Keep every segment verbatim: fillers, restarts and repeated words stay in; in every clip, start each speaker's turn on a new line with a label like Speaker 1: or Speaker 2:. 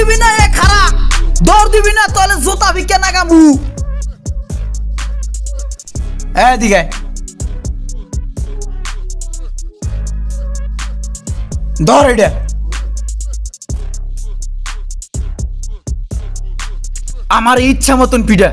Speaker 1: দিবি না এ খারা দৌড় দিবি না তাহলে জুতা ভিকে নাগামু এদিকে ধর এটা আমার ইচ্ছা মতন পিঠা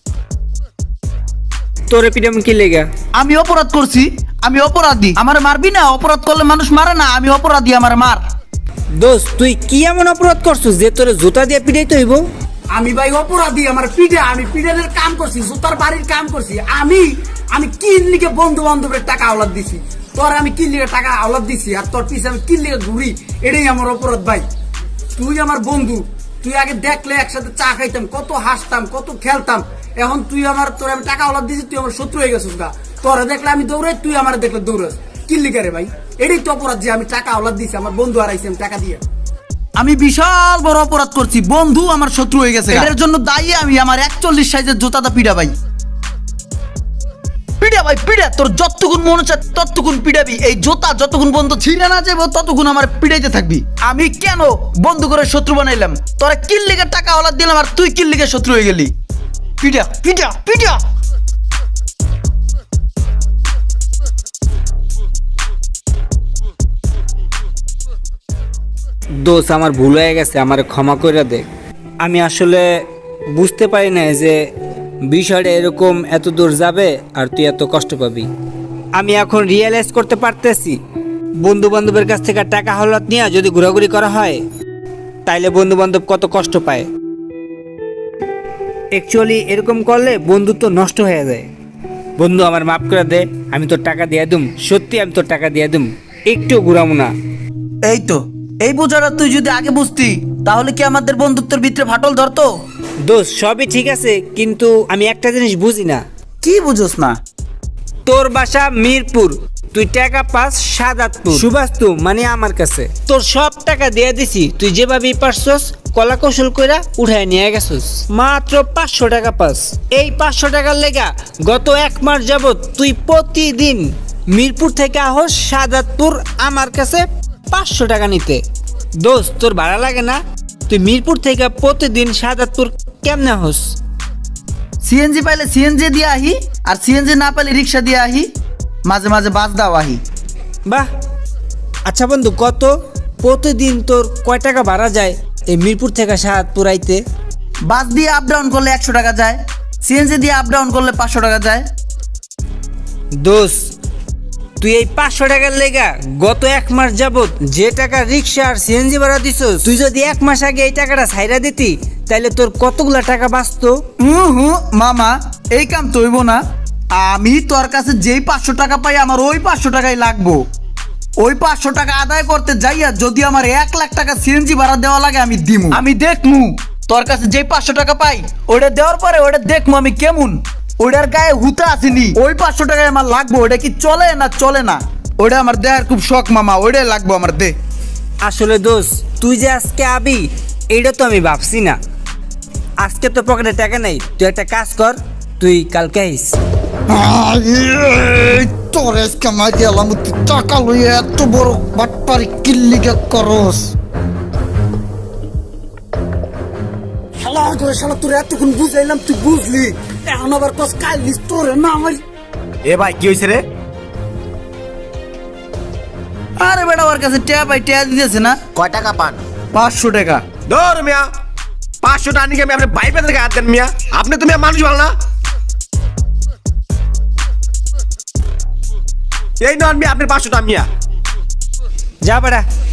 Speaker 2: তোরে পিটাম কি লেগা?
Speaker 1: আমি অপরাধ করছি, আমি অপরাধী, আমার মারবি না? অপরাধ করলে মানুষ মারে না, আমি অপরাধী, আমার মার।
Speaker 2: দোস্ত তুই কি এমন অপরাধ করছিস যে তোরে জুতা দিয়ে পিটাইতে হইব?
Speaker 3: আমি ভাই অপরাধী, আমার পিঠে আমি পিঠের কাম করছি, জুতার বাড়ির কাম করছি। আমি আমি কিন লিগে বন্ধু বান্ধবের টাকা আওলাদ দিছি, তোর আমি কিন লিগে টাকা আওলাদ দিছি, আর তোর পিছে আমি কিন লিগে ঘুরি, এটাই আমার অপরাধ ভাই। তুই আমার বন্ধু, তুই আগে দেখলে একসাথে চা খাইতাম, কত হাসতাম, কত খেলতাম। এখন তুই আমার তোর আমি টাকা আওলাদ দিছি, তুই আমার শত্রু হয়ে গেছিস গা। তোরা দেখলে আমি দৌড়াই, তুই আমার দেখলে দৌড়াস, কিন লিগে রে ভাই? এটাই তো অপরাধ যে আমি টাকা আওলাদ দিছি, আমার বন্ধু হারাইছি আমি টাকা দিয়ে।
Speaker 1: আমি বিশাল বড় অপরাধ করছি, বন্ধু আমার শত্রু হয়ে গেছে, এর জন্য দায়ী আমি। আমার একচল্লিশ সাইজের জুতাটা পিড়া ভাই, পিড়া ভাই পিড়া, তোর যতক্ষণ মনে চায় ততক্ষণ পিড়াবি। এই জুতা যতক্ষণ বন্ধু ছিঁড়ে না যাবো ততক্ষণ আমার পিড়াইতে থাকবি। আমি কেন বন্ধু করে শত্রু বানাইলাম? তোরা কিল্লিগের টাকা ওলাদ দিলাম আর তুই কিল্লিগের শত্রু হয়ে গেলি। পিড়া পিড়া পিড়া।
Speaker 2: দোস্ত আমার ভুল হয়ে গেছে, আমার ক্ষমা করে দে। আমি আসলে বুঝতে পারি না যে বিষয়টা এরকম এত দূর যাবে আর তুই এত কষ্ট পাবি। আমি এখন রিয়েলাইজ করতে পারতেছি বন্ধু বান্ধবের কাছ থেকে টাকা হলাত নিয়ে যদি ঘোরাঘুরি করা হয় তাইলে বন্ধু বান্ধব কত কষ্ট পায়। অ্যাকচুয়ালি এরকম করলে বন্ধুত্ব নষ্ট হয়ে যায়। বন্ধু আমার মাফ করে দে, আমি তোর টাকা দিয়ে দুম, সত্যি আমি তোর টাকা দিয়ে দুম, একটু ঘুরাবো না।
Speaker 1: এই তো এই বোঝাটা তুই যদি আগে বুঝতি তাহলে কি আমাদের বন্ধুত্বের ভিতরে ফাটল ধরতো?
Speaker 2: দোস্ত সবই ঠিক আছে, কিন্তু আমি একটা জিনিস বুঝি না।
Speaker 1: কি বুঝোস না?
Speaker 2: তোর বাসা মিরপুর, তুই টাকা পাস সাদাতপুর, সুবাস্তু মানে আমার কাছে। তোর সব টাকা দিয়ে দিছি, তুই যেভাবেই পারছস কলা কৌশল কইরা উঠায় নিয়ে গেছস। মাত্র পাঁচশো টাকা পাস। এই পাঁচশো টাকার লেগা গত এক মাস যাবত তুই প্রতিদিন মিরপুর থেকে আহস সাদাতপুর আমার কাছে পাঁচশো টাকা নিতে। দোস্ত তোর ভাড়া লাগে না? তুই মিরপুর থেকে প্রতিদিন সাদাতপুর কেমনে আহস?
Speaker 1: সিএনজি পাইলে সিএনজি দিয়ে আহি, আর সিএনজি না পাইলে রিক্সা দিয়ে আহি, মাঝে মাঝে বাস দাও আহি।
Speaker 2: বাহ, আচ্ছা বন্ধু কত প্রতিদিন তোর কয় টাকা ভাড়া যায় এই মিরপুর থেকে সাহাদপুর আইতে?
Speaker 1: বাস দিয়ে আপ ডাউন করলে একশো টাকা যায়, সিএনজি দিয়ে আপ ডাউন করলে পাঁচশো টাকা যায়।
Speaker 2: দোস্ত তুই এই পাঁচশো টাকার লেগা গত এক মাস যাবত যে টাকা রিক্সা আর সিএনজি ভাড়া দিছস, তুই যদি এক মাস আগে এই টাকাটা ছাইরা দিতি তাইলে তোর কতগুলা টাকা বাঁচতো।
Speaker 1: হুম হুম মামা, এই কাম তো হইব না। আমি তোর কাছে যেই পাঁচশো টাকা পাই আমার ওই পাঁচশো টাকাই লাগবো। ওই পাঁচশো টাকা আদায় করতে যাইয়া যদি আমার এক লাখ টাকা সিএনজি ভাড়া দেওয়া লাগে আমি দিমু। আমি দেখমু তোর কাছে যেই পাঁচশো টাকা পাই ওটা দেওয়ার পরে ওটা দেখমু আমি কেমন, ওটার গায়ে হুতা আসেনি। ওই পাঁচশো টাকায় আমার লাগবো, ওটা কি চলে না চলে না ওটা আমার দেওয়ার খুব শখ মামা, ওইটাই লাগবো আমার দে।
Speaker 2: আসলে দোস্ত তুই যে আজকে আবি এইটা তো আমি ভাবছি না। আজকে তো পকেটে টাকা নেই, তুই একটা কাজ কর, তুই কালকে আইস।
Speaker 1: তোর কামাই দিলাম, টাকা লইয়া এত বড় বাটপারি কিল্লিগা করস।
Speaker 3: শালা করে শালা তোর এতক্ষণ বুঝাইলাম, তুই বুঝলি, এখন আবার কস কাইলিস তোর না আমার।
Speaker 4: এ ভাই কি হয়েছে রে?
Speaker 1: আরে বেটা ওর কাছে ট্যাপ পাই ট্যাপ দিতেছে না।
Speaker 4: কয় টাকা পান?
Speaker 1: পাঁচশো টাকা।
Speaker 4: ধর মিয়া, পাঁচশো টাকা নিয়ে আমি আপনার ভাই পেতে হাত দেন মিয়া। আপনি তুমি মানুষ ভালো না? এই নন মিয়া আপনার পাঁচশো টাকা মিয়া।
Speaker 2: যা বেটা।